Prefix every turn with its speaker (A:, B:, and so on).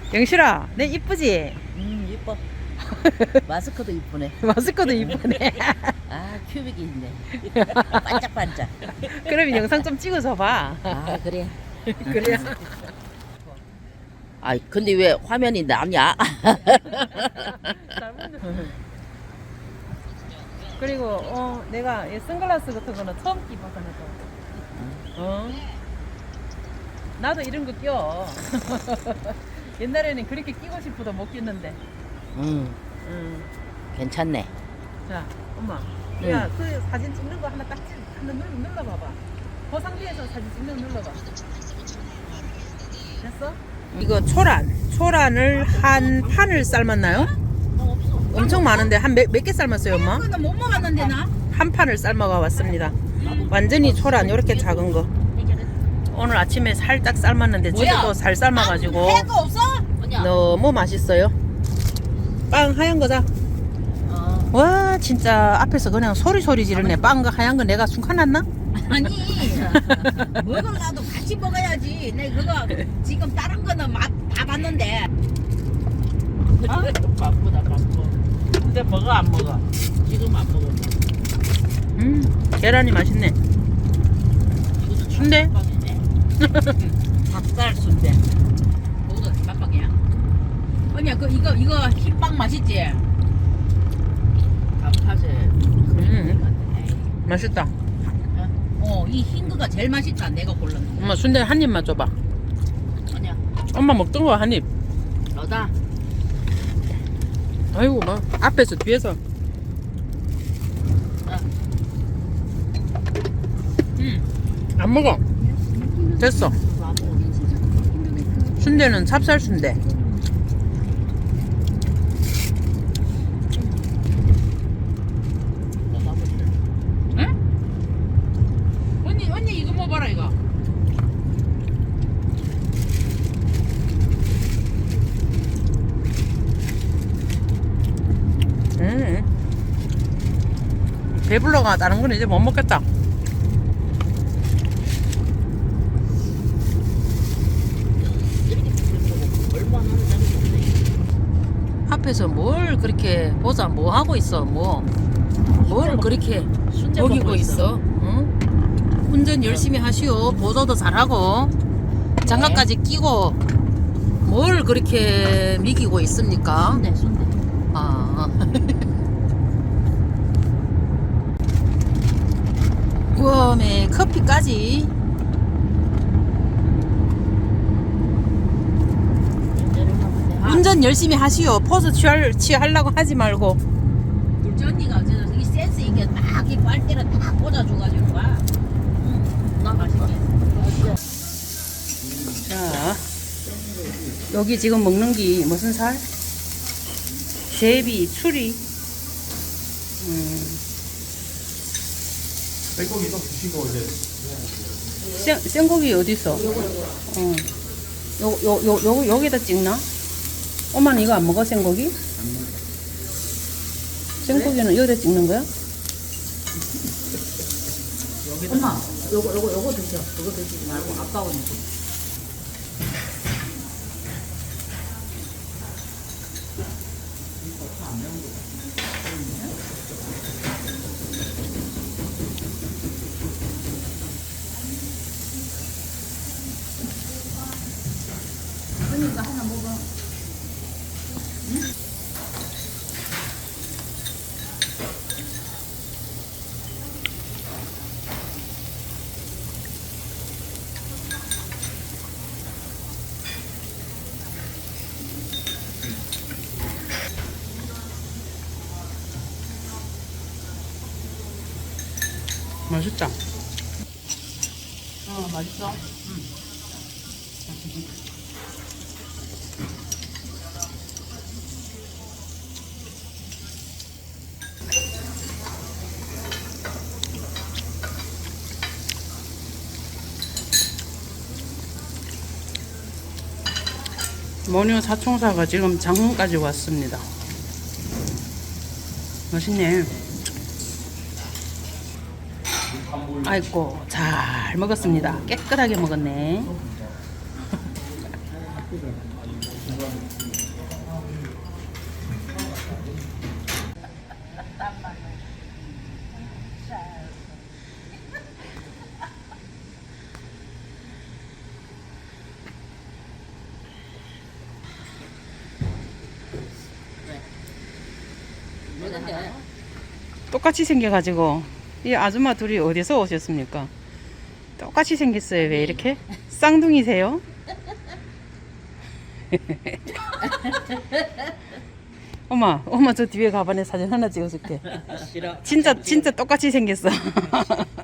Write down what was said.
A: 영실아, 내 이쁘지?
B: 이뻐. 마스크도 이쁘네.
A: 마스크도 이쁘네.
B: 아, 큐빅이 있네. 반짝반짝.
A: 그러면 영상 좀 찍어서 봐.
B: 아, 그래.
A: 그래야.
B: 아, 근데 왜 화면이 남냐?
A: 그리고 내가 이 선글라스 같은 거는 처음 끼봤거든. 나도 이런 거 껴. 옛날에는 그렇게 끼고 싶어도 못 꼈는데.
B: 괜찮네.
A: 자, 엄마. 야, 그 사진 찍는 거 하나 딱 하나 눌러봐봐. 그 상태에서 사진 찍는 거 눌러봐. 됐어? 이거 초란을 한 판을 삶았나요? 엄청 많은데 한 몇 개 삶았어요, 엄마?
C: 못 먹었는데 나?
A: 한 판을 삶아가 왔습니다. 완전히 초란 이렇게 작은 거. 오늘 아침에 살짝 삶았는데 집에도 살 삶아가지고
C: 해거 없어?
A: 너무 맛있어요. 빵 하얀 거다. 와 진짜 앞에서 그냥 소리 지르네. 빵과 하얀 거 내가 숨가놨나?
C: 아니 먹으려도 같이 먹어야지. 내 그거 지금 다른 거는 맛 다 봤는데.
B: 바쁘다, 바빠. 근데 먹어, 안 먹어? 지금 안 먹어.
A: 계란이 맛있네. 순대?
B: 닭살 순대.
C: 먹어도 깜빡이야. 언니야 그 이거 흰빵 맛있지?
B: 단팥에.
A: 맛있다.
C: 이 흰 거가 제일 맛있다. 내가 골랐는데.
A: 엄마 순대 한 입만 줘봐.
C: 아니야.
A: 엄마 먹던 거 한 입.
B: 너다.
A: 아이고 막 앞에서 뒤에서. 안 먹어. 됐어. 순대는 찹쌀 순대.
C: 언니 이거 먹어봐라 이거.
A: 배불러가 다른 건 이제 못 먹겠다. 앞에서 뭘 그렇게 보자 뭐 하고 있어 뭘 그렇게 먹이고 있어. 응? 운전 열심히 하시오. 보조도 잘하고 장갑까지 끼고 뭘 그렇게 미기고 있습니까?
C: 순대.
A: 아. 우와매 커피까지. 운전 열심히 하시오. 포즈 취하려고 하지 말고.
C: 둘째 언니가 어째서 이 센스 있게 딱 이 빨대를 딱 꽂아줘가지고 봐. 나 맛있게.
A: 자, 여기 지금 먹는 게 무슨 살? 제비, 추리.
D: 생고기도 드시고 이제
A: 생고기 어디 있어? 여기다 찍나? 엄마는 이거 안 먹어, 생고기? 생고기는 여기다 찍는 거야?
C: 엄마, 요거 드셔. 그거 드시지 말고 아까우니까. 그러니까 하나 먹어.
A: 맛있다.
C: 맛있어?
A: 모녀 사총사가 지금 장흥까지 왔습니다. 맛있네. 아이고 잘 먹었습니다. 깨끗하게 먹었네.
C: 근데
A: 똑같이 생겨가지고 이 아줌마 둘이 어디서 오셨습니까? 똑같이 생겼어요. 왜 이렇게? 쌍둥이세요? 엄마 저 뒤에 가방에 사진 하나 찍어줄게.
B: 싫어.
A: 진짜 똑같이 생겼어.